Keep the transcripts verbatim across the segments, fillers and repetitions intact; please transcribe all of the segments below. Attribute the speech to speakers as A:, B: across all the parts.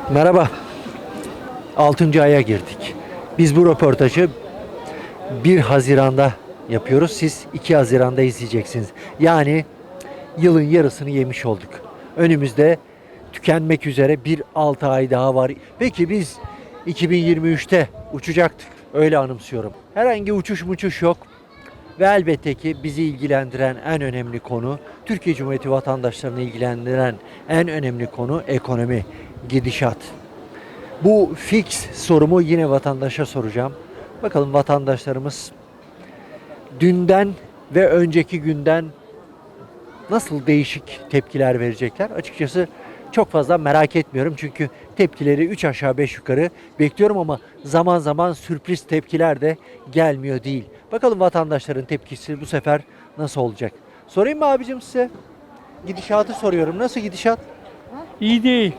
A: Merhaba. altıncı aya girdik. Biz bu röportajı bir Haziran'da yapıyoruz. Siz iki Haziran'da izleyeceksiniz. Yani yılın yarısını yemiş olduk. Önümüzde tükenmek üzere bir altı ay daha var. Peki biz iki bin yirmi üçte uçacaktık. Öyle anımsıyorum. Herhangi uçuş muçuş yok. Ve elbette ki bizi ilgilendiren en önemli konu, Türkiye Cumhuriyeti vatandaşlarını ilgilendiren en önemli konu ekonomi, gidişat. Bu fix sorumu yine vatandaşa soracağım. Bakalım vatandaşlarımız dünden ve önceki günden nasıl değişik tepkiler verecekler? Açıkçası çok fazla merak etmiyorum. Çünkü tepkileri üç aşağı beş yukarı bekliyorum ama zaman zaman sürpriz tepkiler de gelmiyor değil. Bakalım vatandaşların tepkisi bu sefer nasıl olacak? Sorayım mı abicim size? Gidişatı soruyorum. Nasıl gidişat?
B: İyi değil.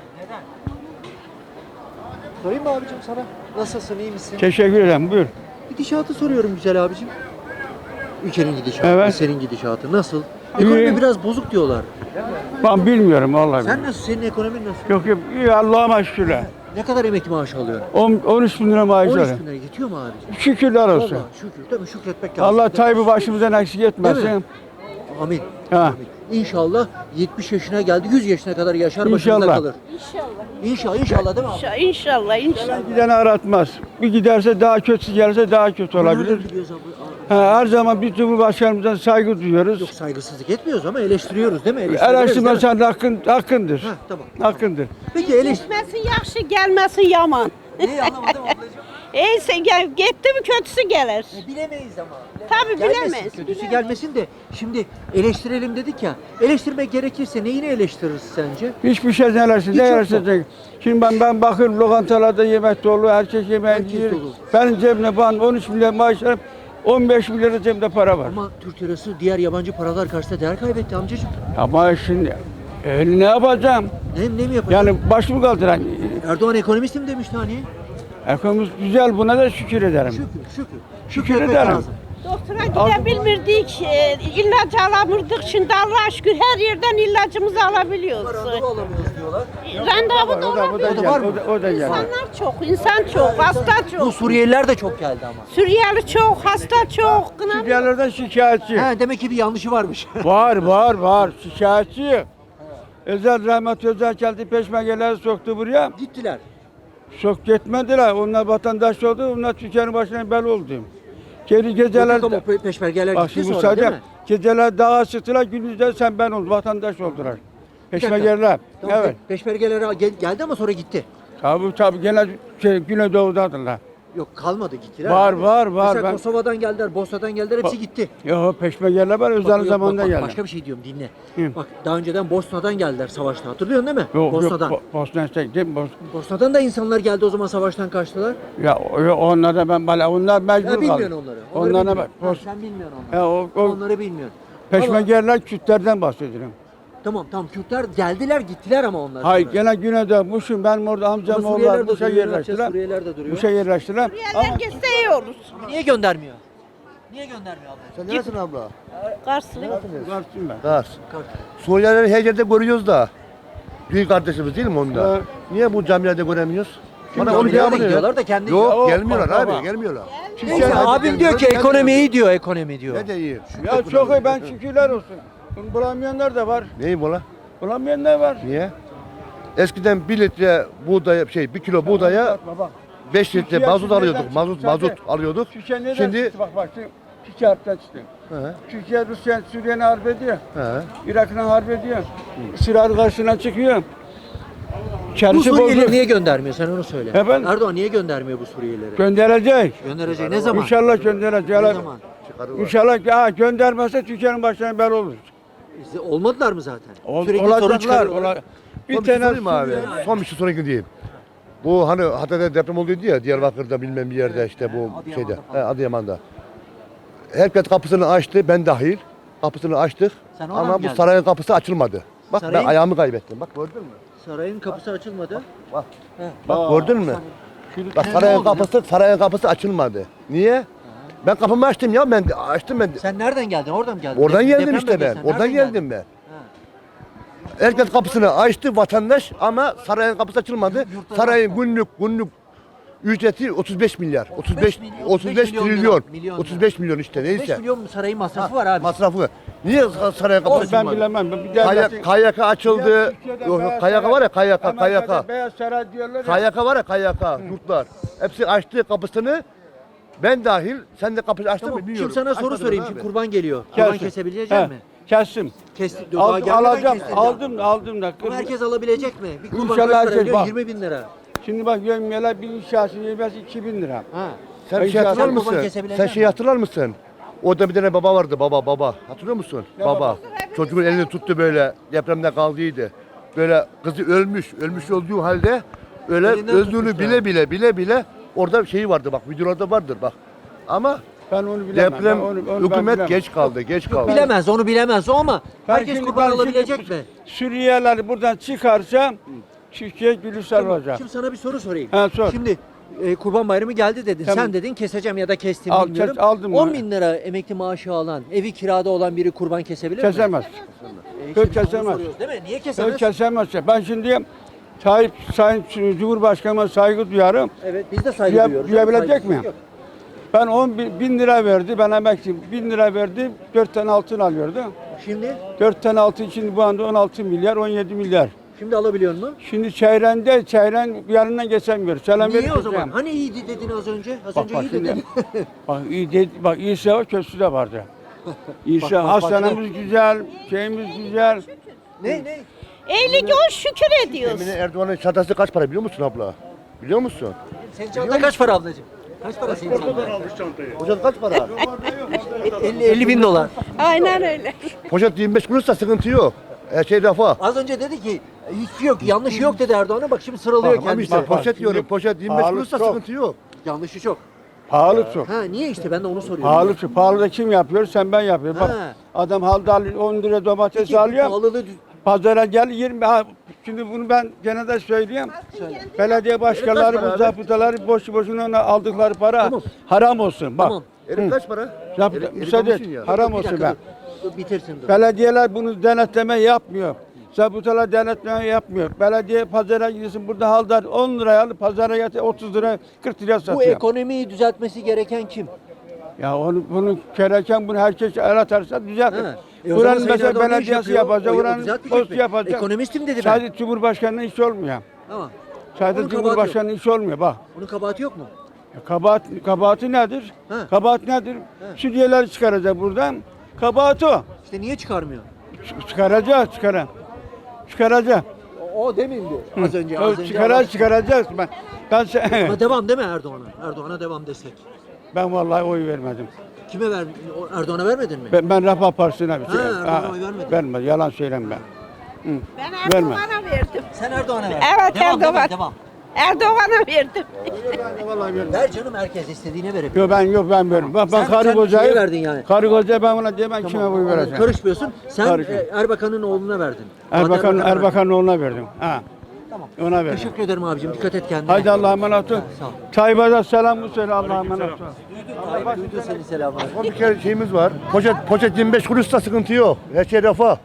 A: Sorayım mı abicim sana? Nasılsın, iyi misin?
B: Teşekkür ederim. Buyur.
A: Gidişatı soruyorum güzel abicim. Ülkenin gidişatı,
B: Evet.
A: senin gidişatı nasıl? Ekonomi
B: İyi.
A: biraz bozuk diyorlar.
B: Ben bilmiyorum vallahi.
A: Sen nasıl? Senin ekonomin nasıl?
B: Yok yok. İyi Allah'a şükürler.
A: Ne kadar emekli maaşı alıyorsun?
B: on, on üç bin lira maaş
A: on üç
B: alıyorum.
A: bin lira yetiyor mu abicim?
B: Şükürler olsun.
A: Vallahi şükür. Tabii şükretmek lazım.
B: Allah
A: Değil mi?
B: Tayyip'i başımızdan eksik
A: Değil
B: etmesin.
A: mi? Amin.
B: Ha.
A: Amin. İnşallah yetmiş yaşına geldi, yüz yaşına kadar yaşar, başımızda
B: İnşallah.
A: kalır.
C: İnşallah.
A: İnşallah, inşallah değil mi abi?
C: İnşallah, inşallah, inşallah.
B: Gideni aratmaz. Bir giderse daha kötüsü gelirse daha kötü olabilir.
A: Nereden biliyoruz abi?
B: Ha, her zaman biz Cumhurbaşkanımızdan saygı duyuyoruz.
A: Yok, saygısızlık etmiyoruz ama eleştiriyoruz değil mi? Eleştiriyoruz,
B: Eleştirme
A: değil mi?
B: sen hakkın, hakkındır.
A: Heh, tamam.
B: Hakkındır.
A: Peki eleştir...
C: Gitmesin yaxşı, gelmesin yaman.
A: Neyi anlamadım ablacığım?
C: Eyse gel, gitti mi kötüsü gelir.
A: E, bilemeyiz ama.
C: Tabii
A: Gelmesin,
C: bilemeyiz,
A: Kötüsü
C: bilemeyiz.
A: gelmesin de şimdi eleştirelim dedik ya. Eleştirmek gerekirse neyini eleştiririz sence?
B: Hiçbir şey nelersin,
A: Hiç
B: ne
A: yok
B: yersin. Şimdi ben, ben bakıyorum lokantalarda yemek dolu, herkes yemeği
A: Herkes
B: yiyor.
A: dolu.
B: Benim cebimde ben on üç milyar maaş alıp on beş milyar cebimde para var.
A: Ama Türk lirası diğer yabancı paralar karşısında değer kaybetti amcacığım.
B: Ama şimdi e, ne yapacağım?
A: Ne, ne mi yapacağız?
B: Yani başımı kaldıran.
A: Erdoğan ekonomistim demişti hani.
B: Ekonomimiz güzel, buna da şükür ederim.
A: Şükür, şükür.
B: Şükür
A: Şükretmek
B: ederim.
A: lazım.
C: Doktora gidebilmirdik, e, ilaç alamırdık. Şimdi Allah'a şükür her yerden ilacımızı alabiliyoruz.
A: Randevu alamıyoruz diyorlar.
C: Randevu da
B: O da, o da,
C: olabiliyor.
B: gel,
A: var mı?
B: o da, o da geldi.
C: İnsanlar çok, insan çok, hasta
A: Bu
C: çok.
A: Suriyeliler de çok geldi ama.
C: Suriyeli çok, hasta çok. Kına-
B: Suriyelilerden şikayetçi.
A: He, demek ki bir yanlışı varmış.
B: Var, var, var. Şikayetçi. Özel rahmet özel geldi peşmergeleri soktu buraya.
A: Gittiler.
B: Sok gitmediler. Onlar vatandaş oldu. Onlar Türkiye'nin başına bel oldu. Geri geceler...
A: Yok ama pe- peşmergeler
B: Bak
A: gitti
B: şimdi
A: sonra değil
B: müsaade.
A: mi?
B: Geceler dağa çıktılar. Gündüzde sen ben oldum. Vatandaş oldular. Peşmergeler.
A: Tamam,
B: Evet.
A: pe- Peşmergeler gel- geldi ama sonra gitti.
B: Tabii tabii. Gene şey, Güneydoğu'dadırlar.
A: Yok kalmadı gittiler.
B: Var,
A: abi.
B: var, var.
A: Mesela
B: Ben-
A: Kosova'dan geldiler, Bosna'dan geldiler hepsi
B: Ba-
A: gitti.
B: Yok peşmergeler var.
A: Bak,
B: Özel
A: yok,
B: zamanda
A: bak, bak,
B: geldi.
A: Başka bir şey diyorum dinle.
B: Hı.
A: Bak daha önceden Bosna'dan geldiler savaşta hatırlıyorsun değil mi?
B: Yok
A: Bosna'dan.
B: yok. Bo- Bosna Hersek değil mi? Bos
A: Bosna'dan da insanlar geldi o zaman savaştan kaçtılar.
B: ya o- o- onlar da ben bana onlar mecbur
A: Ya
B: kaldı.
A: bilmiyorsun onları. Onları
B: Onlara
A: bilmiyorsun.
B: bak.
A: Ha,
B: Bos-
A: sen bilmiyorsun onları.
B: Ya o, o
A: Onları bilmiyorsun. Ama-
B: peşmergeler Kürtlerden bahsediyorum.
A: Tamam tamam Kürtler geldiler gittiler ama onlar.
B: Hayır
A: sonra.
B: gene Güneydoğu Muş'um benim orada amcam
A: Ama Suriyeliler
B: oğullar
A: de
B: Muş'a
A: duruyor, ne yapacağız?
B: yerleştiler.
A: Suriyeliler de duruyor.
B: Muş'a yerleştiler.
C: Suriyeliler gitse iyi olur.
A: Niye göndermiyor? Niye göndermiyor abla?
D: Sen neresin abla?
C: Karşılık.
B: Varsın ben.
D: Kars. Suriyelileri her yerde görüyoruz da. Büyük kardeşimiz değil mi onda?
B: Evet.
D: Niye bu camilerde göremiyoruz? Bana onu
A: Camilere de
D: cevabını ver.
A: gidiyorlar da kendi.
D: Yok
B: O-
D: gelmiyorlar
B: bak,
D: abi
B: bak.
D: gelmiyorlar.
A: Neyse
D: Hadi
A: abim
D: gel,
A: diyor
D: hadi
A: ki
D: gel
A: ekonomi
D: diyor.
A: iyi diyor ekonomi diyor.
D: Ne de iyi.
B: Ya çok iyi ben şükürler olsun. Bunu bulamayanlar da var.
D: Neyim ola?
B: Bulamayanlar var.
D: Niye? Eskiden bir litre buğdaya şey bir kilo buğdaya
B: Bakma bak.
D: beş litre
B: Türkiye
D: mazot
B: nereden
D: alıyorduk.
B: çıktı
D: Mazot
B: zaten?
D: mazot alıyorduk.
B: Türkiye neden
D: Şimdi
B: çıktı bak bak. şimdi Türkiye harpten çıktı.
D: He,
B: Türkiye Rusya Suriye'ne harp ediyor.
D: he.
B: Irak'la harp ediyor. İsrail karşısına çıkıyor.
A: Bu
B: İçerisi
A: Suriyelileri
B: bozuk.
A: niye göndermiyor sen onu söyle.
B: Efendim?
A: Erdoğan niye göndermiyor bu Suriyelileri?
B: Gönderecek.
A: Gönderecek ne zaman?
B: İnşallah gönderecek.
A: Ne zaman?
D: Çıkarı var.
B: İnşallah ya göndermezse Türkiye'nin başına bel olur.
A: İşte olmadılar mı zaten?
B: Ol,
A: Sürekli sorun
B: olacaklar.
A: çıkarıyorlar.
B: Ola, bir
D: Son bir şey
B: tane
D: sorayım mı abi? Son bir şey sorayım diyeyim. Bu hani Hatay'da deprem olduydu ya Diyarbakır'da bilmem bir yerde işte bu
A: Adıyaman'da
D: şeyde.
A: falan.
D: He, Adıyaman'da. Herkes kapısını açtı ben dahil. Kapısını açtık.
A: Sen oradan mı
D: Ama bu
A: geldin?
D: sarayın kapısı açılmadı. Bak
A: Sarayın-
D: ben ayağımı kaybettim. Bak gördün mü?
A: Sarayın kapısı açılmadı.
D: Bak.
A: He.
D: Bak gördün mü? Bak
A: Ne
D: sarayın
A: oldu?
D: kapısı sarayın kapısı açılmadı. Niye? Ben kapımı açtım ya ben açtım ben.
A: Sen nereden geldin? Oradan mı geldin?
D: Oradan
A: Dep-
D: geldim
A: deprem
D: işte ben.
A: bölgesinden.
D: Oradan
A: Nereden
D: geldim ben.
A: Ha.
D: Herkes kapısını açtı vatandaş ama sarayın kapısı açılmadı. Sarayın günlük günlük ücreti otuz beş milyar. otuz beş
A: milyon,
D: otuz beş
A: milyon lira,
D: trilyon.
A: milyon
D: otuz beş milyon işte
A: beş
D: neyse.
A: milyon sarayın masrafı var abi.
D: Masrafı. Niye sarayın kapısı
B: Ben
D: açılmadı?
B: bilemem. Bir
D: Kaya,
B: devletin-
D: K Y K açıldı.
B: Türkiye'de
D: Yok,
B: Beyaz
D: K Y K
B: Saray-
D: var ya K Y K, K Y
B: Amerika'da
D: K.
B: Beyaz Saray diyorlar ya.
D: K Y K var ya K Y K yurtlar. Hepsi açtı kapısını. Ben dahil sen de kapıyı açtın
A: Tamam.
D: mı bilmiyorum.
A: Şimdi sana soru
D: Açmadın
A: sorayım.
D: abi.
A: Şimdi kurban geliyor. Kurban
B: Kestim.
A: kesebilecek
B: He,
A: mi?
B: Kestim.
A: Kesti. Daha
B: Al,
A: gelmeden
B: alacağım.
A: kestin.
B: Aldım aldım da.
A: Ama herkes alabilecek mi? Bir kurban
B: İnşallah
A: kaç para
B: herkes
A: biliyor?
B: bak.
A: yirmi bin lira.
B: Şimdi bak yömyeler bir inşası yemesi iki bin lira.
A: Ha.
D: Sen
B: Ay,
D: şey
B: sen
D: hatırlar
A: kurban
D: mısın?
A: kesebilecek
D: Sen şey
A: misin?
D: hatırlar mısın? Orada bir tane baba vardı baba baba. Hatırlıyor musun?
B: Ne
D: baba.
B: baba?
D: Çocuğun elini tuttu böyle depremde kaldıydı. Böyle kızı ölmüş. Ölmüş olduğu halde öyle
A: Elinden
D: öldüğünü
A: tutmuş
D: bile
A: yani.
D: bile bile bile orada şeyi vardı bak videolarda vardır bak. Ama
B: Ben onu bilemem.
D: deprem
B: Ben onu- onu ben
D: hükümet
B: bilemem.
D: geç kaldı, geç kaldı.
A: Bilemez, onu bilemez o ama
B: Ben
A: herkes
B: şimdi-
A: kurban
B: ben şimdi
A: alabilecek mi?
B: Suriyeliler buradan çıkarsa Türkiye gülüşler olacak.
A: Şimdi sana bir soru sorayım.
B: Ha, sor.
A: Şimdi e, kurban bayramı geldi dedin.
B: Tamam.
A: Sen dedin keseceğim ya da kestim
B: Al,
A: bilmiyorum.
B: kes- aldım
A: on
B: ben.
A: bin lira emekli maaşı alan, evi kirada olan biri kurban kesebilir mi?
B: Kesemez.
A: E,
B: Hiç
A: işte biz onu
B: kesemez.
A: soruyoruz, değil mi? Niye kesemez?
B: Hiç kesemez. Ben şimdi Tayyip Sayın Cumhurbaşkanı'na saygı duyarım.
A: Evet biz de saygı
B: Duya-
A: duyuyoruz.
B: duyabilecek
A: Saygısızlık
B: mi?
A: yok.
B: Ben on bin, bin lira verdi. Ben emekliyim. Bin lira verdi. Dört tane altın alıyordu.
A: Şimdi
B: Dört tane altın için bu anda on altı milyar, on yedi milyar.
A: şimdi alabiliyor mu?
B: Şimdi çeyrende, çeyren yanından geçemiyor. Selam
A: Niye
B: verip
A: o zaman?
B: geçeceğim.
A: Hani iyiydi dedin az önce? Az
B: Bak,
A: önce
B: bak
A: iyi
B: şimdi.
A: dedin.
B: Bak iyi de, bak iyisi var, kötüsü de vardı. İyisi,
A: Bak, bak, bak,
B: hastanemiz güzel, şeyimiz güzel.
A: ne ne?
C: Eylik o şükür ediyoruz.
D: Emine Erdoğan'ın çantası kaç para biliyor musun abla? Biliyor musun?
A: Senin çanta kaç para ablacığım? Kaç para senin çanta?
D: Poşet kaç para?
A: elli, elli bin dolar.
C: Aynen öyle.
D: Poşet yirmi beş kuruşsa sıkıntı yok. Her şey rafa.
A: Az önce dedi ki hiç yok, yanlış yok dedi Erdoğan'a. Bak şimdi sıralıyor
D: Tamam
A: kendisi.
D: işte
B: bak, bak,
D: poşet diyorum.
B: şimdi
D: Poşet yirmi beş
B: pahalı
D: kuruşsa
B: çok.
D: sıkıntı yok.
A: Yanlışı çok.
B: Pahalı çok.
A: Ha niye işte ben de onu soruyorum.
B: Pahalı çok. Pahalı da kim yapıyor? Sen ben yapıyorum. Bak
A: Ha.
B: adam halde alıyor, on lira domates
A: Peki, bu
B: alıyor.
A: pahalılığı düz-
B: Pazara gel yirmi. Ha, şimdi bunu ben gene de söyleyeyim. Belediye başkanları,
D: para
B: bu
D: abi?
B: zabıtaları boşu boşuna ona aldıkları para
A: Tamam.
B: haram olsun. Bak.
A: Tamam.
D: Erik kaç para?
B: Zabıta,
D: Erik- erik
B: müsaade et.
D: almışsın ya.
B: Haram
A: Bir
B: olsun
A: dakika,
B: be.
A: dur, dur, bitirsin dur.
B: Belediyeler bunu denetleme yapmıyor. Zabıtalar denetleme yapmıyor. Belediye pazara gidiyorsun burada haldar on liraya alıp pazara getir otuz lira kırk liraya
A: Bu
B: satıyor.
A: ekonomiyi düzeltmesi gereken kim?
B: Ya onu bunu gereken bunu herkes el atarsa düzeltir.
A: Ha. E o zaman
B: Buranın
A: Sayın
B: mesela
A: Erdoğan ne iş
B: belediyesi
A: yapıyor?
B: yapacak,
A: O- o
B: buranın
A: düzeltmeyecek
B: postu
A: mi?
B: yapacak.
A: Ekonomistim dedi ben.
B: Sadece Cumhurbaşkanı'nın işi olmuyor.
A: Tamam.
B: Sadece
A: Onun kabahati
B: Cumhurbaşkanı'nın işi olmuyor bak.
A: Onun kabahati yok mu?
B: Ya kabahat, kabahati nedir?
A: Ha.
B: Kabahat nedir? Sütyeleri çıkaracak buradan. Kabahat o.
A: İşte niye çıkarmıyor?
B: Ç- Çıkaracak, çıkara. Çıkaracak.
A: O, o demindi az önce. Az önce
B: Çıkarar, çıkaracağız. Ben, ben, se-
A: Ama devam değil mi Erdoğan'a? Erdoğan'a devam desek.
B: ben vallahi oy vermedim.
A: Kime ver? o- Erdoğan'a vermedin mi?
B: Ben, ben Refah Partisi'ne bir şey.
A: Ha, Erdoğan'a oy vermedin.
B: Vermez, yalan söylem ben. Hı.
C: Ben
B: Verme.
C: Erdoğan'a verdim.
A: Sen Erdoğan'a ver.
C: Evet,
A: devam,
C: Erdoğan.
A: Devam, devam.
C: Erdoğan'a verdim.
B: Vallahi vermem.
A: Ver canım herkes istediğine verebilir.
B: Yok ben yok ben veririm. Bak ben
A: Sen-
B: karı
A: sen
B: kocayı
A: şeye verdin yani.
B: Karı kocaya ben ona diyemem kime
A: Tamam,
B: oy
A: onu
B: vereceğim.
A: Karışmıyorsun. Sen
B: Karışma.
A: e, Erbakan'ın oğluna verdin.
B: Erbakan
A: Fatih Erbakan'a verdin.
B: Erbakan'ın oğluna verdim. Ha.
A: Tamam.
B: Ona verdim.
A: Teşekkür ederim abicim. Dikkat et kendine.
B: Haydi Allah'a emanet ol.
A: Sağ ol.
B: Tayyip'e de selamı söyle Allah'a emanet ol.
A: Tayyip duydu seni selamlar.
D: Son bir kere şeyimiz var. Poşet poşet yirmi beş kuruşsa sıkıntı yok. Her şey rafa.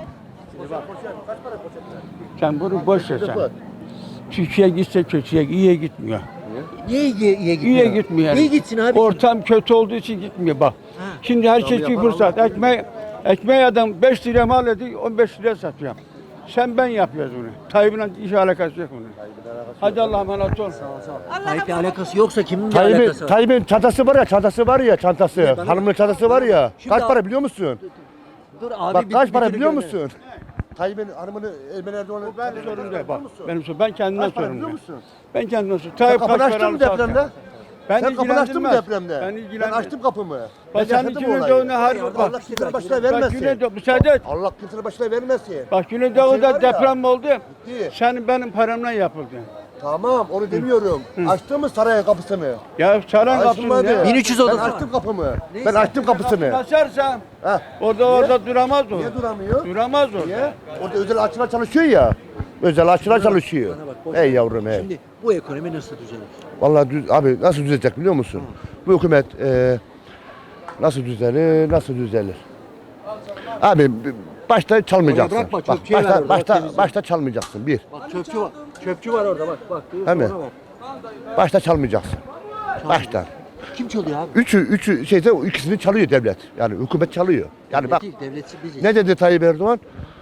B: Sen bunu boş ver sen. Türkiye gitse kötüye, iyiye gitmiyor.
A: Niye iyi, iyiye gitmiyor?
B: İyiye gitmiyor.
A: İyi gitsin abi.
B: Ortam kötü olduğu için gitmiyor bak.
A: Ha.
B: Şimdi her şey için fırsat. Ekmek, ekmeği adam beş liraya mal ediyor, on beş liraya satıyor. Sen ben yapıyoruz bunu. Tayyip'le iş alakası yok bunun. Hadi Allah'a emanet ol.
A: Tayyip'le alakası yoksa kimin bir
D: Tayyip'in
A: alakası var?
D: Tayyip'in çantası var ya, çantası var ya, çantası.
A: bana-
D: Hanımın çantası var ya.
A: Şimdi
D: Kaç
A: abi-
D: para biliyor musun?
A: Dur abi
D: Bak
A: bir-
D: kaç
A: bir
D: para
A: türlü
D: biliyor
A: gönder.
D: musun? Tayyip'in hanımını Ermeni Erdoğan'ın
B: Ben sorun değil bak. Benim sorun. Ben kendimden
D: Kaç para
B: sorun
D: biliyor
B: değil.
D: musun?
B: Ben kendimden sorun.
D: Sen
B: Tayyip
D: kapını
B: kaç
D: açtın
B: para
D: mı
B: alırsa
D: depremde?
B: alsın. Ben
D: Sen kapını açtın mı
B: ilgilendirmez.
D: depremde?
B: Ben
D: Ben
B: ilgilendirmez.
D: açtım kapımı.
B: Bak
D: Ben
B: sen
D: yaşadım
B: içine
D: olayı.
B: doğduğuna har
A: Allah
D: Allah
B: bak.
D: kimsenin başına
B: Bak
D: vermesin.
B: Güneydoğu müsaade et.
D: Allah kimsenin başına vermesin.
B: Bak
D: Şey
B: Güneydoğu'da
D: var ya,
B: deprem oldu.
D: Gitti.
B: Senin benim paramla yapıldı.
D: Tamam onu demiyorum. Açtın mı sarayın kapısını?
B: Ya saran
D: Açtım
B: kapısını
D: hadi.
B: ya.
A: bin üç yüz
D: Ben
A: odası var.
D: açtım kapımı.
A: Neyse.
D: Ben açtım kapısını.
B: Açarsan
D: Ha.
B: orada orada duramaz o.
D: Niye duramıyor?
B: Duramaz o.
D: Niye? Orada özel aşçılar çalışıyor ya. Özel aşçılar çalışıyor.
A: Bana bak, boş
D: Ey
A: ver.
D: yavrum ey.
A: Şimdi bu ekonomi nasıl düzelir?
D: Vallahi düz, abi nasıl düzelecek biliyor musun? Bu hükümet e, nasıl düzelir, nasıl düzelir? Abi başta çalmayacaksın.
A: Oraya bırakma,
D: Bak,
A: çöpçüye ver
D: başta,
A: orada,
D: başta,
A: temizle.
D: başta çalmayacaksın. Bir.
A: Bak çöpçü var. Çöpçü var orada bak bak.
D: Hemen.
A: Ona ver.
D: Başta çalmayacaksın. Başta.
A: Kim çalıyor abi?
D: Üçü, üçü şeyde ikisini çalıyor devlet. Yani hükümet çalıyor. Yani bak
A: Devlet, devletçi biziz.
D: ne dedi Tayyip Erdoğan?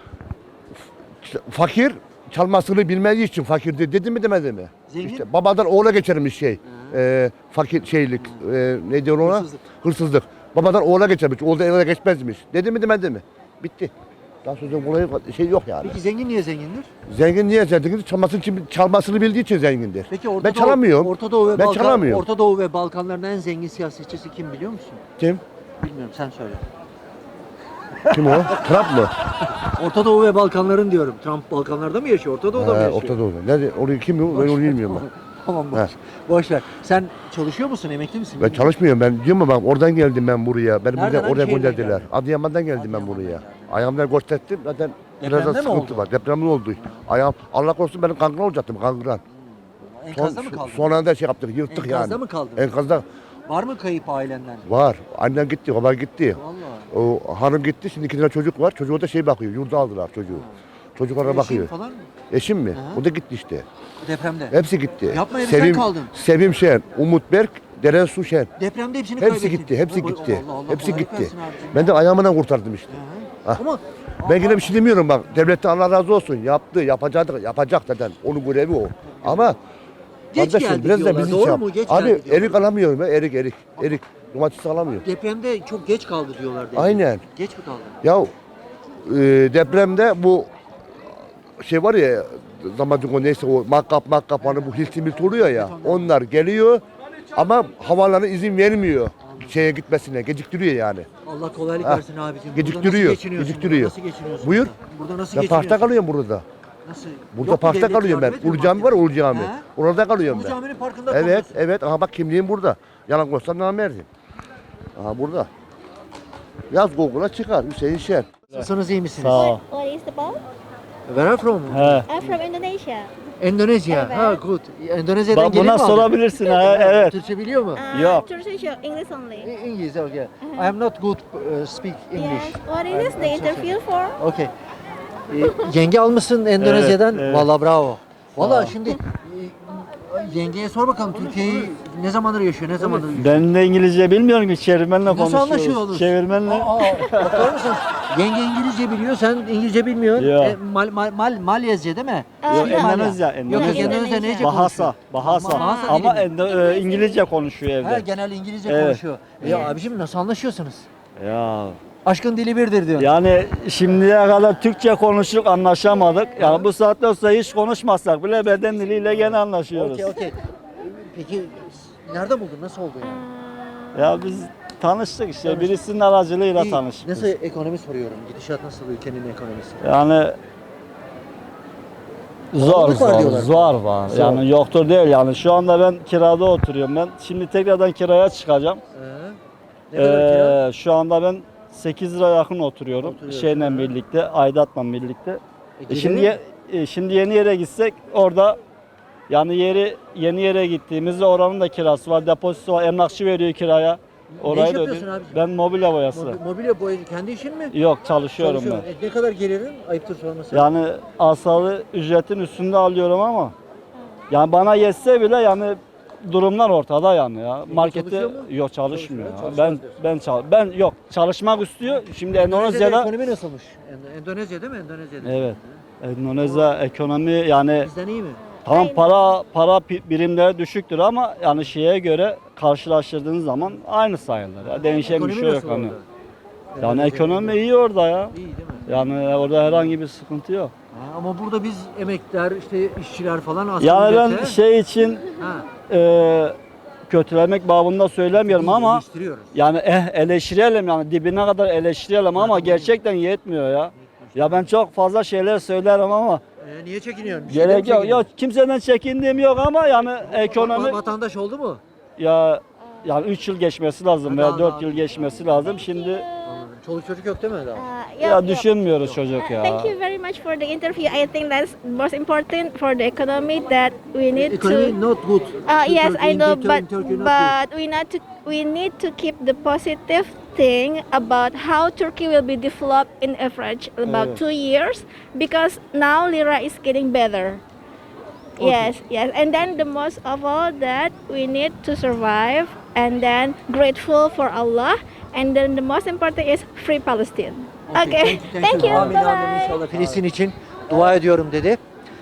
D: Fakir çalmasını bilmediği için fakirdi dedi mi demedi mi?
A: Zengin?
D: İşte babadan oğula geçermiş şey. E, fakir şeylik. E, ne diyor ona?
A: Hırsızlık.
D: Hırsızlık. Babadan oğula geçermiş. Oğuldan eve geçmezmiş. Dedi mi demedi mi? Bitti. Daha sonra olayı şey yok yani.
A: Peki zengin niye zengindir?
D: Zengin niye zengindir? Çalmasını, çalmasını bildiği için zengindir.
A: Peki Orta
D: ben
A: Doğu-
D: çalamıyorum.
A: Orta Doğu ve
D: ben
A: Balkan,
D: çalamıyorum.
A: Orta Doğu ve Balkanların en zengin siyasetçisi kim biliyor musun?
D: Kim?
A: Bilmiyorum sen söyle.
D: Kim o? Trump mı?
A: Orta Doğu ve Balkanların diyorum. Trump Balkanlarda mı yaşıyor? Orta Doğu'da mı
D: He,
A: yaşıyor?
D: Orta Doğu'da. Nerede? Orayı kim o? Ben onu bilmiyorum bak.
A: Tamam
D: He.
A: boş. Boş ver. Sen çalışıyor musun? Emekli misin?
D: Ben çalışmıyorum ben. Diyorum ya bak oradan geldim ben buraya. Beni
A: Nereden,
D: buradan
A: hangi
D: oraya
A: şehirden
D: gönderdiler.
A: geldin?
D: Adıyaman'dan geldim ben
A: Adıyaman'dan
D: buraya.
A: geldin.
D: Ayağımdan gösterdim zaten biraz
A: Depremde
D: da
A: mi
D: sıkıntı
A: oldu?
D: var. Depremde oldu. Ayağım Allah korusun benim kangren olacaktım kangren. Son,
A: Enkazda mı kaldın?
D: son anda şey yaptık yırttık yani.
A: Enkazda mı kaldın?
D: Enkazda
A: Var mı kayıp ailenden?
D: var. Annem gitti, baba gitti.
A: Vallahi.
D: O hanım gitti. Şimdi iki tane çocuk var. Çocuğu da şey bakıyor. Yurda aldılar çocuğu. Çocuklara
A: Eşin
D: bakıyor.
A: falan mı?
D: Eşim mi?
A: Hı.
D: O da gitti işte.
A: Depremde.
D: Hepsi gitti.
A: Yapma herif, sen kaldın.
D: Sevim Şen, Umut Berk, Deren Su Şen.
A: Depremde hepsini
D: Hepsi
A: kaybettin.
D: gitti, hepsi
A: Allah
D: gitti.
A: Allah, Allah
D: Hepsi
A: kolaylık
D: gitti.
A: versin abicim.
D: Ben de ayağımdan kurtardım işte.
A: Hı hı.
D: Ah.
A: Ama
D: Ben yine bir şey demiyorum bak. Devletten Allah razı olsun. Yaptı, yapacak, yapacak zaten. Onun görevi o. Ama
A: Geç
D: kardeşim
A: geldi
D: biraz da
A: diyorlar,
D: bizi
A: doğru
D: şey yap.
A: mu? Geç
D: Abi
A: geldi diyorlar.
D: erik alamıyorum ben. Erik, erik. Erik. Domates alamıyorum.
A: depremde çok geç kaldı diyorlar. devlet.
D: Aynen.
A: Geç mi kaldı?
D: Ya e, depremde bu şey var ya zamacık o neyse o makkap makkap hani bu hilti milti oluyor ya onlar geliyor ama havalarına izin vermiyor şeye gitmesine geciktiriyor yani.
A: Allah kolaylık
D: Ha,
A: versin abicim.
D: geciktiriyor,
A: Burada nasıl geçiniyorsun?
D: geciktiriyor.
A: Burada nasıl geçiniyorsun?
D: Buyur.
A: Burada, burada nasıl
D: Ben
A: geçiniyorsun?
D: parkta kalıyorum burada.
A: Nasıl?
D: Burada
A: Yok mu
D: parkta
A: devlet
D: kalıyorum ben.
A: yardım etmiyor
D: Ulu Cami var
A: mu?
D: Ulu Cami.
A: He?
D: Orada kalıyorum
A: Ulu
D: ben.
A: Cami'nin parkında
D: Evet,
A: kalıyorsun.
D: evet. Aha bak kimliğim burada. Yalan koysam namerdim. Aha burada. Yaz Google'a çıkar Hüseyin Şen.
A: Nasılsınız, iyi misiniz?
E: Sağ ol.
F: What is the boat?
A: Where are you from?
E: He.
F: I'm from Indonesia.
A: Endonezya.
F: Evet.
A: Ha, good. Endonezya'dan
E: Bak
A: gelin
E: buna
A: mi abi?
E: sorabilirsin ha. Evet.
A: Türkçe biliyor mu?
F: Uh,
E: Yok.
F: Turkish or English only.
A: İ- İngiliz, okay. I am not good uh, speak English.
F: Yes. What is this? The interview for?
A: Okay. Ee, yenge almışsın Endonezya'dan.
E: Evet, evet.
A: Vallahi bravo. Vallahi
E: ol.
A: şimdi e, yengeye sor bakalım Türkiye'yi ne zamandır yaşıyor, ne zamandır yaşıyor?
E: Ben de İngilizce bilmiyorum ki çevirmenle
A: Nasıl
E: konuşuyoruz.
A: anlaşıyorsunuz?
E: Çevirmenle.
A: Aa, bakar mısın? Yenge İngilizce biliyor, sen İngilizce bilmiyorsun.
E: Yok.
A: E, mal, mal, mal, Malyezce değil mi?
F: Aa,
E: Yok,
F: evet.
E: Endonezya,
A: Yok,
E: Endonezya.
A: Endonezya neyce
E: Bahasa,
A: konuşuyor?
E: Bahasa.
A: Bahasa
E: Ama
A: dili mi?
E: Endo- e, İngilizce konuşuyor
A: Ha,
E: evde.
A: genel İngilizce
E: Evet.
A: konuşuyor. Ya abicim nasıl anlaşıyorsunuz?
E: Ya
A: Aşkın dili birdir diyor.
E: yani şimdiye kadar Türkçe konuştuk anlaşamadık. Yani bu saatten sonra hiç konuşmazsak bile beden diliyle gene anlaşıyoruz.
A: Okey okey. Peki nerede buldun? Nasıl oldu yani?
E: Ya biz tanıştık işte birisinin aracılığıyla
A: İyi.
E: tanıştık.
A: Nasıl ekonomi soruyorum? Gidişat nasıl ülkenin ekonomisi?
E: Yani zor
A: Pahalılık var
E: zor,
A: diyorlar.
E: zor var.
A: Zor.
E: Yani yoktur değil yani. Şu anda ben kirada oturuyorum ben. Şimdi tekrardan kiraya çıkacağım.
A: Ee, ne kadar kira?
E: Ee, şu anda ben sekiz lira yakın oturuyorum.
A: Oturuyorsun,
E: Şeyle
A: ha.
E: birlikte, aidatla birlikte.
A: E,
E: E, şimdi
A: geliri?
E: ye- e, şimdi yeni yere gitsek orada yani yeri yeni yere gittiğimizde oranın da kirası var, depozito var, emlakçı veriyor kiraya. Orayı da
A: yapıyorsun
E: ödüyorum.
A: abiciğim?
E: Ben mobilya boyası.
A: Mobi- Mobilya boyacı kendi işin mi?
E: Yok çalışıyorum
A: Çalışıyorsun.
E: ben.
A: E, ne kadar gelirin? Ayıptır sorması.
E: Yani asalı ücretin üstünde alıyorum ama yani bana yetse bile yani durumlar ortada yani ya. Markette
A: çalışıyor mu?
E: yok çalışmıyor.
A: Çalışmıyor,
E: ya.
A: çalışmaz
E: Ben
A: diyorsun.
E: ben çal ben yok çalışmak istiyor. Şimdi
A: Endonezya'da
E: Endonezya'da
A: ekonomi nasılmış? End- Endonezya değil mi? Endonezya'da.
E: evet. Endonezya ekonomi yani
A: Bizden iyi mi?
E: tamam
F: Aynen.
E: para para pi- birimleri düşüktür ama yani şeye göre karşılaştırdığınız zaman aynı sayılır. Ya. Değişen bir
A: Ekonomi
E: şey yok
A: nasıl
E: hani.
A: orada?
E: Yani
A: Endonezya'da
E: ekonomi iyi orada ya.
A: İyi değil mi?
E: Yani orada herhangi bir sıkıntı yok.
A: Ha, ama burada biz emekler, işte işçiler falan asgari
E: Yani ben
A: ücrete-
E: şey için
A: ha,
E: e, kötülemek babında söylemiyorum
A: iyi,
E: ama
A: eleştiriyoruz.
E: yani eh, eleştirelim yani dibine kadar eleştirelim ama gerçekten yetmiyor ya. Ya ben çok fazla şeyler söylerim ama
A: Ee, niye çekiniyorsun? Bir şeyden
E: gerek
A: mi
E: yok.
A: çekiniyorsun?
E: Yok kimseden çekindiğim yok ama yani ekonomi
A: Va- Vatandaş oldu mu?
E: ya yani üç yıl geçmesi lazım
A: Ha,
E: veya
A: daha-
E: dört
A: daha-
E: yıl geçmesi lazım. Şimdi
A: Anladım. Çoluk çocuk yok değil mi daha?
F: Uh,
E: ya
F: yeah,
E: düşünmüyoruz çocuk
F: Uh,
E: ya.
F: Thank you very much for the interview. I think that's most important for the economy that we need
A: Economy
F: to.
A: not good.
F: Uh,
A: In
F: yes,
A: Turkey,
F: I
A: in
F: know,
A: Turkey, in
F: but
A: Turkey not
F: but we need to we need to keep the positive think about how Turkey will be developed in average about two years because now lira is getting better. Yes, yes, and then the most of all that we need to survive, and then grateful for Allah, and then the most important is free Palestine. Okay, thank you.
A: Amin
F: Bye
A: amin
F: bye.
A: inşallah. Filistin için dua ediyorum dedi.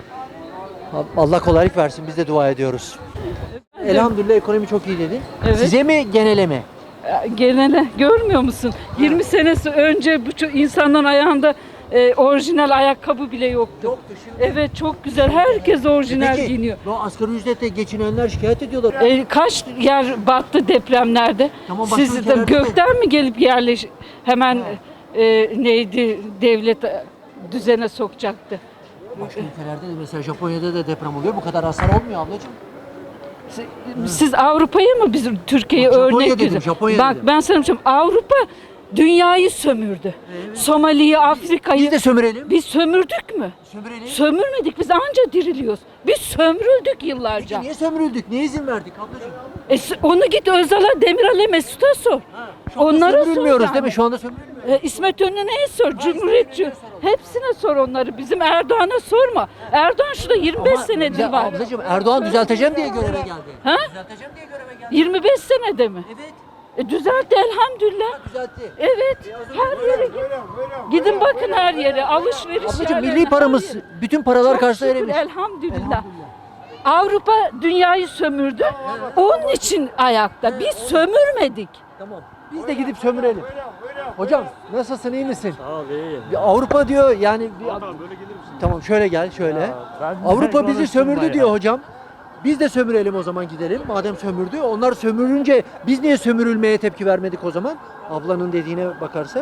A: Allah kolaylık versin. Biz de dua ediyoruz. Elhamdülillah ekonomi çok iyi dedi.
G: Evet.
A: Size mi genele mi?
G: Genele görmüyor musun? yirmi senesi önce bu ço- insanların ayağında e, orijinal ayakkabı bile yoktu.
A: Yoktu şimdi.
G: Evet çok güzel. Herkes orijinal
A: Peki,
G: giyiniyor.
A: bu asgari ücretle geçinenler şikayet ediyorlar.
G: E, kaç yer battı depremlerde?
A: Tamam, başka
G: Siz de
A: ülkelerde
G: gökten mi gelip yerleş hemen e, neydi devlet e, düzene sokacaktı?
A: Başka ülkelerde de mesela Japonya'da da deprem oluyor. Bu kadar hasar olmuyor ablacığım.
G: Siz, siz Avrupa'ya mı bizim Türkiye'ye
A: Bak, Japonya
G: örnek
A: dedim,
G: görüyorsunuz?
A: Japonya
G: Bak
A: dedim.
G: ben sana söyleyeyim Avrupa dünyayı sömürdü. Somali'yi, Afrika'yı.
A: Biz de sömürelim.
G: Biz sömürdük mü?
A: Sömürelim.
G: Sömürmedik. Biz anca diriliyoruz. Biz sömürüldük yıllarca.
A: Peki niye sömürüldük? Niye izin verdik ablacığım?
G: E, s- onu git Özal'a, Demiral'e, Mesut'a sor.
A: Şu anda
G: Onlara sor
A: sömürülmüyoruz
G: yani.
A: değil mi? Şu anda sömürülmüyoruz.
G: E, İsmet İnönü'ne sor, Cumhuriyetçi. Hepsine sor onları. Bizim Erdoğan'a sorma. Erdoğan şurada yirmi beş
A: Ama
G: senedir
A: ya
G: var.
A: Ablacığım Erdoğan düzelteceğim diye göreve geldi.
G: Ha?
A: Düzelteceğim diye göreve geldi.
G: yirmi beş senede mi?
A: Evet.
G: E, düzeltti elhamdülillah.
A: Düzeltti.
G: Evet. Her yere gidin. Gidin bakın her yere. Alışveriş
A: Ablacığım
G: yerlerine,
A: milli
G: her
A: paramız
G: yere.
A: bütün paralar
G: Çok
A: karşısında
G: şükür,
A: erimiş.
G: elhamdülillah. Avrupa dünyayı sömürdü. Onun için ayakta. Biz sömürmedik.
A: Tamam. Biz de gidip sömürelim. Hocam nasılsın, iyi misin?
E: Sağ ol, iyiyim.
A: Bir Avrupa diyor yani bir... Tamam şöyle gel şöyle. Avrupa bizi sömürdü diyor hocam. Biz de sömürelim o zaman gidelim. Madem sömürdü. Onlar sömürünce biz niye sömürülmeye tepki vermedik o zaman? Ablanın dediğine bakarsak.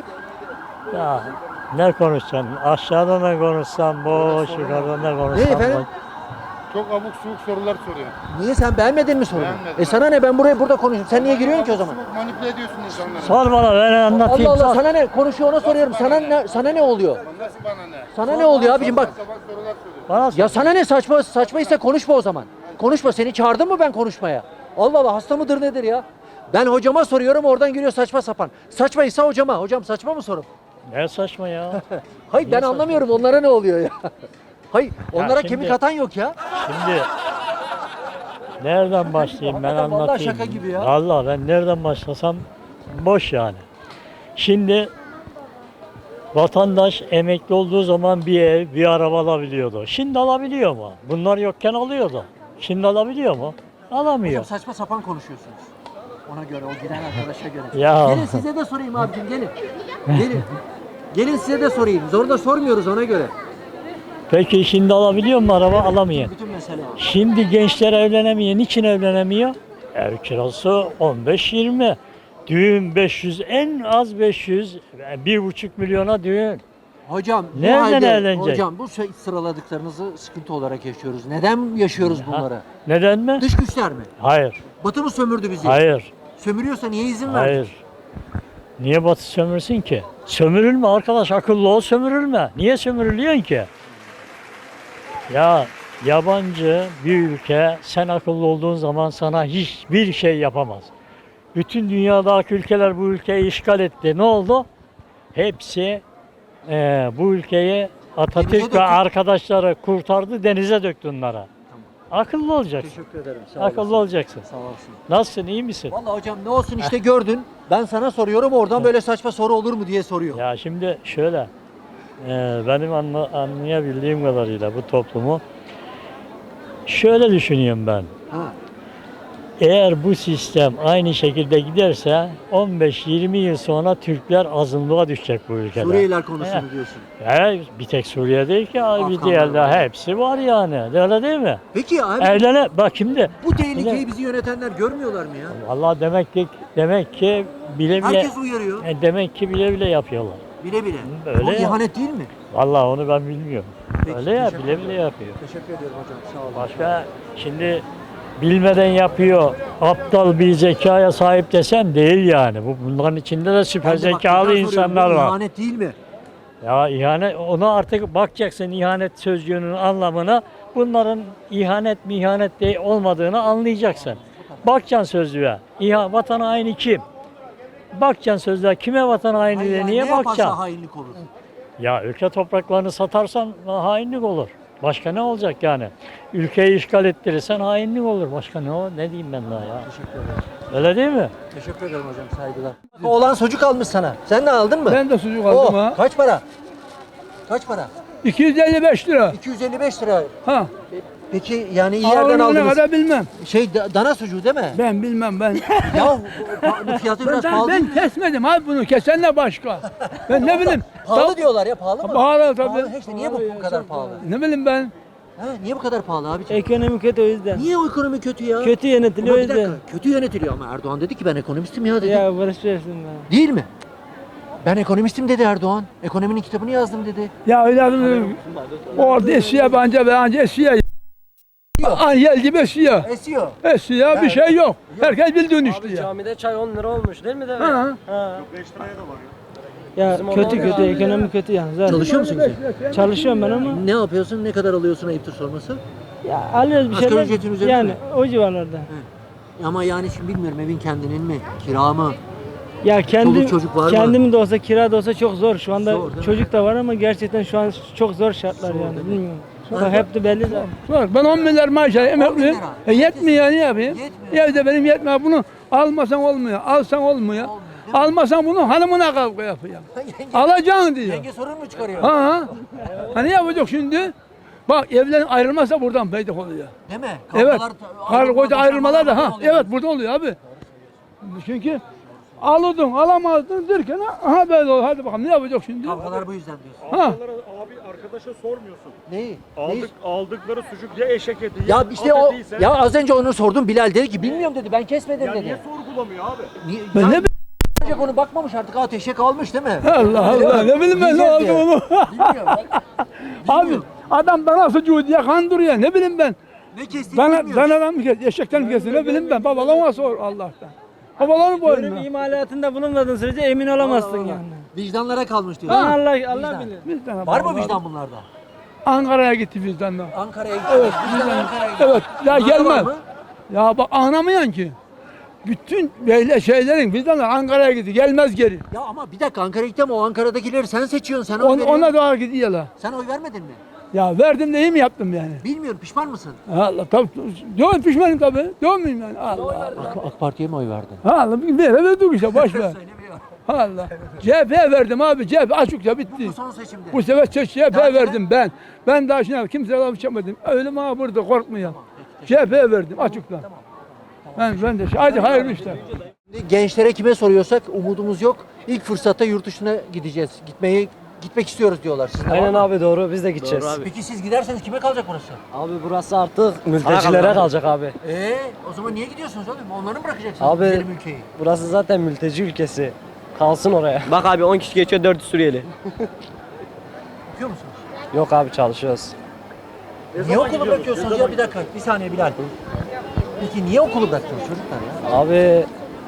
H: Ya ne konuşacaksın? Aşağıda ne konuşsam boş, yukarıda ne
A: Ne
H: konuşsam
A: efendim?
H: boş.
I: Çok abuk subuk sorular soruyor.
A: Niye sen beğenmedin mi sorunu?
I: Beğenmedim.
A: E sana ne, ben buraya burada konuşuyorum. Sen niye giriyorsun ki o zaman?
I: Abuk subuk manipüle ediyorsun insanları.
H: Sor bana ben anlatayım.
A: Allah Allah,
H: sor.
A: sana ne? Konuşuyor ona soruyorum. Sana ne sana ne oluyor?
I: Nasıl bana ne?
A: Sana ne oluyor abicim bak.
I: Sabah sorular soruyor.
H: Bana sor.
A: Ya sana ne, saçma saçmaysa konuşma o zaman. Konuşma, seni çağırdım mı ben konuşmaya? Allah Allah, hasta mıdır nedir ya? Ben hocama soruyorum, oradan giriyor saçma sapan. Saçmaysa hocama. Hocam saçma mı sorum?
H: Ne saçma ya.
A: Hayır ben
H: saçma?
A: anlamıyorum onlara ne oluyor ya. Hayır onlara
H: şimdi-
A: kemik atan yok ya.
H: Şimdi nereden başlayayım ben
A: Hakikaten vallahi
H: anlatayım.
A: şaka gibi ya.
H: Vallahi ben nereden başlasam boş yani. Şimdi vatandaş emekli olduğu zaman bir ev, bir araba alabiliyordu. Şimdi alabiliyor mu? Bunlar yokken alıyordu. Şimdi alabiliyor mu? Alamıyor.
A: Hocam saçma sapan konuşuyorsunuz. Ona göre, o giren arkadaşa göre.
H: Ya.
A: Gelin size de sorayım abicim, gelin. Gelin. Gelin size de sorayım. Zorla sormuyoruz ona göre.
H: Peki şimdi alabiliyor mu araba? Alamıyor.
A: Bütün mesele o.
H: Şimdi gençler evlenemiyor. Niçin evlenemiyor? Ev kirası on beş yirmi. Düğün beş yüz, en az beş yüz, bir buçuk milyona düğün.
A: Hocam bu
H: Nereden
A: halde,
H: evlenecek?
A: hocam bu şey- sıraladıklarınızı sıkıntı olarak yaşıyoruz. Neden yaşıyoruz bunları?
H: Neden mi?
A: Dış güçler mi?
H: Hayır,
A: Batı mı sömürdü bizi?
H: hayır,
A: Sömürüyorsa niye izin verdik?
H: hayır. Niye Batı sömürsün ki? Sömürülme arkadaş, akıllı ol, sömürülme. Niye sömürülüyorsun ki? Ya yabancı bir ülke sen akıllı olduğun zaman sana hiçbir şey yapamaz. Bütün dünyadaki ülkeler bu ülkeyi işgal etti. Ne oldu? Hepsi eee, bu ülkeyi
A: Denize
H: Atatürk
A: döktü.
H: ve arkadaşları kurtardı, denize döktü onlara. Akıllı olacaksın.
A: Teşekkür ederim. Sağ
H: Akıllı
A: olasın.
H: olacaksın.
A: Sağ olasın.
H: Nasılsın, iyi misin?
A: Vallahi hocam ne olsun işte gördün. Ben sana soruyorum, oradan böyle saçma soru olur mu diye soruyor.
H: Ya şimdi şöyle, eee, benim anla- anlayabildiğim kadarıyla bu toplumu şöyle düşünüyorum ben.
A: Ha.
H: Eğer bu sistem aynı şekilde giderse on beş yirmi yıl sonra Türkler azınlığa düşecek bu ülkede.
A: Suriyeliler konusunu
H: He.
A: diyorsun.
H: He, bir tek Suriye değil ki abi, bir
A: Afganlar
H: diğerde
A: var.
H: hepsi var yani. Öyle değil mi?
A: Peki abi
H: Evlene bak şimdi.
A: bu tehlikeyi bizi yönetenler görmüyorlar mı ya?
H: Vallahi demek ki demek ki bile bile
A: Herkes uyarıyor.
H: e, demek ki bile bile yapıyorlar.
A: Bile bile.
H: Öyle
A: Bu
H: ya.
A: ihanet değil mi?
H: Vallahi onu ben bilmiyorum.
A: Peki,
H: Öyle ya,
A: teşekkür
H: bile
A: ederim.
H: bile yapıyor.
A: Teşekkür ediyorum hocam. Sağ olun.
H: Başka şimdi bilmeden yapıyor. Aptal bir zekaya sahip desem değil yani. Bu bunların içinde de süper
A: Ben de bak,
H: zekalı
A: tekrar soruyorum,
H: insanlar
A: bu
H: var.
A: İhanet değil mi?
H: Ya ihanet, ona artık bakacaksın ihanet sözcüğünün anlamına. Bunların ihanet mi ihanet değil olmadığını anlayacaksın. Bakacaksın sözlüğe. İha, vatan haini kim? bakacaksın sözler. Kime vatan haini
A: Hayır
H: diye
A: yani
H: niye
A: ne yaparsa
H: bakacaksın?
A: hainlik olur.
H: Ya ülke topraklarını satarsan hainlik olur. Başka ne olacak yani? Ülkeyi işgal ettirirsen hainlik olur. Başka ne o? Ne diyeyim ben daha ya?
A: Teşekkür ederim.
H: Öyle değil mi?
A: Teşekkür ederim hocam, saygılar. Oğlan sucuk almış sana. Sen de aldın mı?
B: Ben de sucuk
A: Oh,
B: aldım ha.
A: kaç para? Kaç para?
B: iki yüz elli beş lira.
A: iki yüz elli beş lira.
B: Ha.
A: Peki yani iyi yerden
B: Ağırlığına
A: aldınız.
B: kadar bilmem.
A: Şey da- dana sucuğu değil mi?
B: Ben bilmem ben.
A: Ya bu- bu fiyatı
B: Ben,
A: biraz
B: ben,
A: pahalı değil
B: ben
A: mi?
B: kesmedim abi bunu. Kesen de başka. Ben ne bileyim.
A: Pahalı
B: Ta-
A: diyorlar ya, pahalı mı?
B: Pahalı tabii.
A: Pahalı. İşte niye bu, bu kadar pahalı?
B: Ne bileyim ben.
A: Ha, niye bu kadar pahalı abiciğim?
J: Ekonomi kötü o yüzden.
A: Niye o ekonomi kötü ya?
J: Kötü yönetiliyor
A: Ama
J: o
A: bir dakika,
J: yüzden.
A: kötü yönetiliyor ama Erdoğan dedi ki ben ekonomistim ya dedi.
J: Ya barış versin be.
A: Değil mi? Ben ekonomistim dedi Erdoğan. Ekonominin kitabını yazdım dedi.
B: Ya evladım. Orada esiyor bence ve anca esiyor. Anyel gibi esiyor.
A: Esiyor.
B: Esiyor bir şey yok. Herkes bildiğini işte ya.
J: Camide çay on lira olmuş değil mi de?
B: Ha.
J: Ha. Ya kötü kötü ekonomi kötü yani. Zaten.
A: Çalışıyor musun sen?
J: Çalışıyorum ben ama.
A: Ne yapıyorsun? Ne kadar alıyorsun ayıptır sorması?
J: Ya alıyoruz bir
A: Asgari
J: şeyler.
A: ücretin üzerinde
J: Yani
A: mi?
J: o civarlarda.
A: Ama yani şimdi bilmiyorum, evin kendinin mi? Kira mı?
J: Ya kendi
A: Çoluk çocuk var mı?
J: kendimin de olsa kira da olsa çok zor. Şu anda
A: Zor, değil mi?
J: çocuk da var ama gerçekten şu an çok zor şartlar
A: Zor,
J: yani.
A: değil mi?
J: Bilmiyorum. Bak hep de belli zaten.
B: Bak ben on milyar maaş alıyorum, emekliyim.
A: lira.
B: E yetmiyor, ne yapayım?
A: Yetmiyor.
B: Evde benim yetmiyor. Bunu almasan olmuyor, alsan olmuyor.
A: Olmuyor, değil mi?
B: Almasan bunu hanımına kavga yapıyor.
A: Yenge,
B: Alacaksın diyor.
A: yenge sorun mu çıkarıyor?
B: Ha. Ha ne yapacak şimdi? Bak evlerin ayrılmazsa buradan peydah oluyor.
A: Değil mi?
B: Evet.
A: Kavgalar-
B: Karı koca ayrılmalar da
A: buradan
B: ha.
A: oluyor.
B: Evet burada oluyor abi. Çünkü alırdın, alamazdın derken aha böyle olur. Hadi bakalım ne yapacak şimdi?
A: Kavgalar bu yüzden diyorsun.
B: Ha.
K: Abi arkadaşa sormuyorsun.
A: Neyi?
K: Aldık,
A: Neyi?
K: aldıkları sucuk ya eşek eti
A: Ya işte o,
K: etiyse-
A: ya az önce onu sordum, Bilal dedi ki bilmiyorum dedi, ben kesmedim
K: Ya
A: dedi.
K: niye sorgulamıyor abi?
A: Niye?
B: Ben
A: ya,
B: ne
A: Ancak onu bakmamış artık, ateşe kalmış değil mi?
B: Allah Allah ne bileyim ben ne
A: Yiyeceğiz
B: oldu
A: diye.
B: onu.
A: Bilmiyorum.
B: Abi
A: Bilmiyorum.
B: adam dana sucuğu diye kandırıyor ne bileyim ben.
A: Ne kestiğini
B: Dana,
A: bilmiyoruz.
B: danadan mı kes, eşekten mi kesin ne bileyim ben. Babalama sor Allah'tan. Babaların
J: Ölüm
B: boynuna.
J: imalatında bulunmadığın sürece emin olamazsın
A: Allah.
J: yani.
A: Vicdanlara kalmış diyor.
J: Allah Allah
A: Vicdan.
J: bilir.
B: Vicdan
A: Var mı
B: babalar.
A: vicdan bunlarda?
B: Ankara'ya gitti vicdanla.
A: Ankara'ya gitti.
B: Evet,
A: Vicdan
B: vicdan.
A: Ankara'ya gitti.
B: Evet, ya
A: Bunlarda var
B: gelmez.
A: mı?
B: Ya bak anlamayan ki. Bütün böyle şeylerin vicdanlar Ankara'ya gitti. Gelmez geri.
A: Ya ama bir dakika, Ankara'ya gitti ama o Ankara'dakileri sen seçiyorsun, sen oy
B: On,
A: veriyorsun.
B: ona doğru gidiyorlar.
A: Sen oy vermedin mi?
B: Ya verdim de iyi mi yaptım yani?
A: Bilmiyorum, pişman mısın?
B: Allah tabii. Yok pişmanım tabii. Yok muyum yani? Allah Allah.
A: AK, AK Parti'ye mi oy verdin?
B: Allah bir ver verdik işte boş ver.
A: Söylemiyor.
B: Allah. C H P'ye verdim abi. C H P açıkça bitti.
A: Bu son seçimde.
B: Bu sefer C H P'ye
A: Daha
B: verdim ben. Ben daha şimdi kimseye laf içemedim. Ölüm ha burada korkmuyor. C H P'ye verdim açıkla. Ben ben de hadi hayırlı işler.
A: Gençlere kime soruyorsak umudumuz yok. İlk fırsatta yurt dışına gideceğiz. Gitmeyi gitmek istiyoruz diyorlar. Sizin de var
J: Aynen
A: mı?
J: abi doğru biz de gideceğiz.
A: Peki siz giderseniz kime kalacak burası?
J: Abi burası artık mültecilere kalacak abi.
A: Ee, o zaman niye gidiyorsunuz oğlum? Onları mı bırakacaksınız
J: Abi-
A: güzelim ülkeyi?
J: Burası zaten mülteci ülkesi. Kalsın oraya. Bak abi on kişi geçiyor dört Suriyeli.
A: Okuyor musunuz?
J: Yok abi çalışıyoruz.
A: Niye okulu bırakıyorsunuz ya? Bir dakika, bir saniye Bilal. Peki niye okulu bıraktınız çocuklar ya?
J: Abi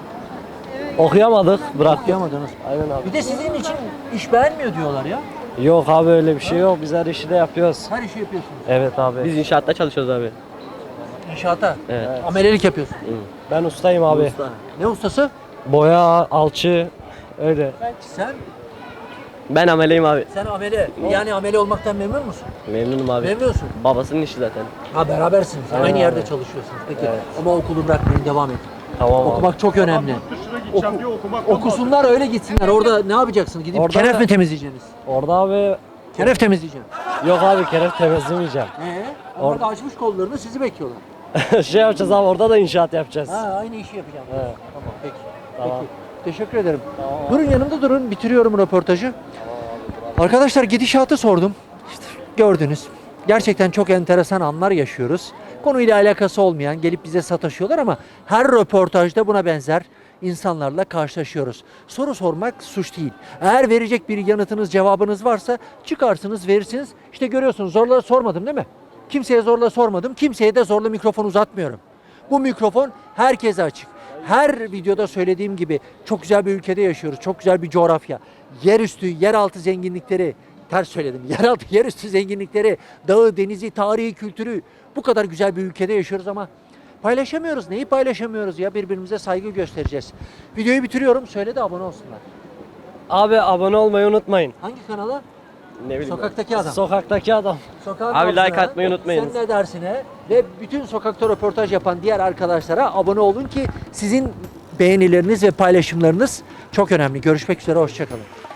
J: okuyamadık bırak.
A: Okuyamadınız.
J: Aynen abi.
A: Bir de sizin için iş beğenmiyor diyorlar ya.
J: Yok abi öyle bir şey yok. Biz her işi de yapıyoruz.
A: Her işi yapıyorsunuz.
J: Evet abi. Biz inşaatta çalışıyoruz abi.
A: İnşaata.
J: Evet.
A: Amelelik yapıyorsun.
J: Ben ustayım abi.
A: Usta. Ne ustası?
J: Boya, alçı öyle.
A: Sen?
J: Ben ameleyim abi.
A: Sen amele. Yani amele olmaktan memnun musun?
J: Memnunum abi.
A: Memnunsun.
J: Babasının işi zaten.
A: Ha berabersiniz.
J: Evet.
A: Aynı yerde çalışıyorsunuz. Peki.
J: Evet.
A: Ama okulu bırakmayın, devam edin.
J: Tamam abi.
A: Okumak çok önemli.
I: Dışına gideceğim diye okumaktan
A: Okusunlar, öyle gitsinler. Orada ne yapacaksınız? Gidip
J: Orada
A: kenef
J: da-
A: mi temizleyeceksiniz?
J: Orada abi
A: Kenef temizleyeceğim.
J: yok abi keref temizlemeyeceğim.
A: Ee, onlar da açmış kollarını, sizi bekliyorlar.
J: şey yapacağız abi orada da inşaat yapacağız.
A: Ha, aynı işi yapacağım.
J: Evet.
A: Tamam, peki.
J: Tamam.
A: Peki. Teşekkür ederim. Durun yanımda durun. Bitiriyorum röportajı. Arkadaşlar gidişatı sordum. İşte gördünüz. Gerçekten çok enteresan anlar yaşıyoruz. Konuyla alakası olmayan gelip bize sataşıyorlar ama her röportajda buna benzer insanlarla karşılaşıyoruz. Soru sormak suç değil. Eğer verecek bir yanıtınız, cevabınız varsa çıkarsınız, verirsiniz. İşte görüyorsunuz, zorla sormadım değil mi? Kimseye zorla sormadım. Kimseye de zorla mikrofon uzatmıyorum. Bu mikrofon herkese açık. Her videoda söylediğim gibi çok güzel bir ülkede yaşıyoruz. Çok güzel bir coğrafya. Yerüstü, yeraltı zenginlikleri, ters söyledim. Yeraltı, yerüstü zenginlikleri, dağı, denizi, tarihi, kültürü, bu kadar güzel bir ülkede yaşıyoruz ama Paylaşamıyoruz. Neyi paylaşamıyoruz ya? Birbirimize saygı göstereceğiz. Videoyu bitiriyorum. Söyle de abone olsunlar.
J: Abi abone olmayı unutmayın.
A: Hangi kanala?
J: Ne bileyim.
A: Sokaktaki adam.
J: Sokaktaki adam.
A: Sokağın
J: Abi like
A: altına,
J: atmayı unutmayınız.
A: Sen ne dersine ve bütün sokakta röportaj yapan diğer arkadaşlara abone olun ki sizin beğenileriniz ve paylaşımlarınız çok önemli. Görüşmek üzere. Hoşçakalın.